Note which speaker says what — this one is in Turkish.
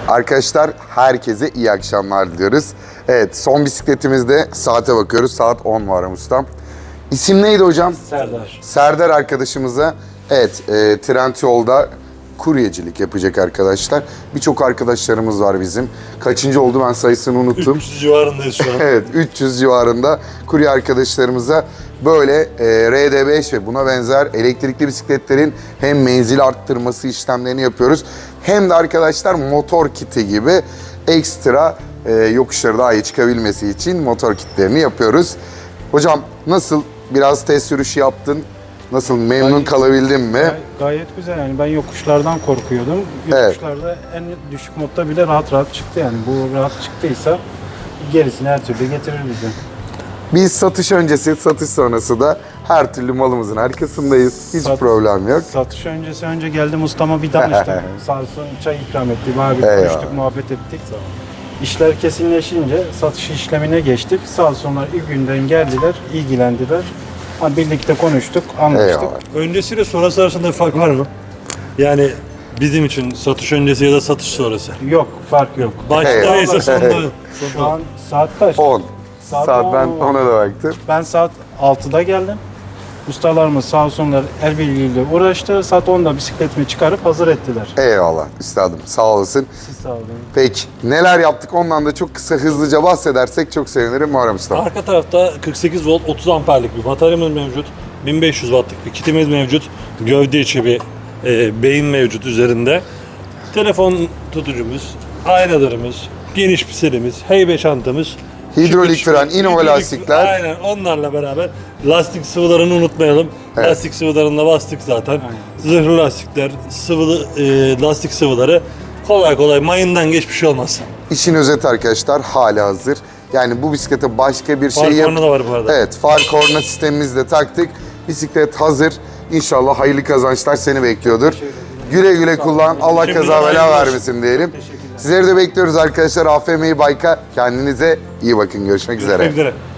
Speaker 1: Arkadaşlar herkese iyi akşamlar diliyoruz. Evet, son bisikletimizde saate bakıyoruz. Saat 10 var ustam. İsim neydi hocam?
Speaker 2: Serdar.
Speaker 1: Serdar arkadaşımıza Trendyol'da kuryecilik yapacak arkadaşlar. Birçok arkadaşlarımız var bizim. Kaçıncı oldu ben sayısını unuttum.
Speaker 2: 300 civarındayız şu an.
Speaker 1: Evet, 300 civarında kurye arkadaşlarımıza böyle RD5 ve buna benzer elektrikli bisikletlerin hem menzil arttırması işlemlerini yapıyoruz. Hem de arkadaşlar motor kiti gibi ekstra yokuşları daha iyi çıkabilmesi için motor kitlerini yapıyoruz. Hocam nasıl? Biraz test sürüşü yaptın. Nasıl? Memnun kalabildin mi?
Speaker 3: Gayet güzel yani ben yokuşlardan korkuyordum.
Speaker 1: Evet.
Speaker 3: Yokuşlarda en düşük modda bile rahat rahat çıktı yani. Bu rahat çıktıysa gerisini her türlü getirir bize.
Speaker 1: Biz satış öncesi, satış sonrası da her türlü malımızın arkasındayız. Hiç problem yok.
Speaker 3: Satış öncesi önce geldim ustama bir danıştım. Sağ olsun çay ikram etti. Bayağı bir
Speaker 1: Eyvallah.
Speaker 3: konuştuk, muhabbet ettik. İşler kesinleşince satış işlemine geçtik. Sağ olsunlar ilk günden geldiler, ilgilendiler. Birlikte konuştuk, anlaştık.
Speaker 1: Eyvallah.
Speaker 2: Öncesiyle sonrası arasında bir fark var mı? Yani bizim için satış öncesi ya da satış sonrası.
Speaker 3: Yok, fark yok.
Speaker 2: Başta
Speaker 1: Eyvallah.
Speaker 2: neyse sonunda.
Speaker 3: Şu an saat kaç?
Speaker 1: 10.
Speaker 3: Saat
Speaker 1: Saat ben
Speaker 3: 10.
Speaker 1: ona da baktım.
Speaker 3: Ben saat 6'da geldim. Ustalarımız sağ olsunlar el birliğiyle uğraştı. Saat 10'da bisikletimi çıkarıp hazır ettiler.
Speaker 1: Eyvallah üstadım, sağ olasın.
Speaker 3: Siz sağ olun.
Speaker 1: Peki neler yaptık ondan da çok kısa hızlıca bahsedersek çok sevinirim Muharrem Usta.
Speaker 2: Arka tarafta 48 volt 30 amperlik bir bataryamız mevcut. 1500 wattlık bir kitimiz mevcut. Gövde içi bir beyin mevcut üzerinde. Telefon tutucumuz, aynalarımız, geniş piselimiz, heybe çantamız.
Speaker 1: Hidrolik
Speaker 2: şıkır
Speaker 1: fren,
Speaker 2: şıkır,
Speaker 1: Innova
Speaker 2: hidrolik-
Speaker 1: lastikler.
Speaker 2: Aynen onlarla beraber lastik sıvılarını unutmayalım.
Speaker 1: Evet.
Speaker 2: Lastik sıvılarına bastık zaten. Zırhlı lastikler, sıvı lastik sıvıları kolay kolay mayından geçmiş olmaz.
Speaker 1: İşin özeti arkadaşlar hala hazır. Yani bu bisiklete başka bir şey
Speaker 2: Far korna da var bu arada.
Speaker 1: Evet, far korna sistemimizi de taktık. Bisiklet hazır. İnşallah hayırlı kazançlar seni bekliyordur. Güle güle kullan. Allah
Speaker 2: Şimdiden
Speaker 1: kaza bela
Speaker 2: hayırlı olsun.
Speaker 1: vermesin diyelim. Sizleri de bekliyoruz arkadaşlar. AFM Bike'a kendinize iyi bakın. Görüşmek üzere.
Speaker 2: Görüşmek üzere.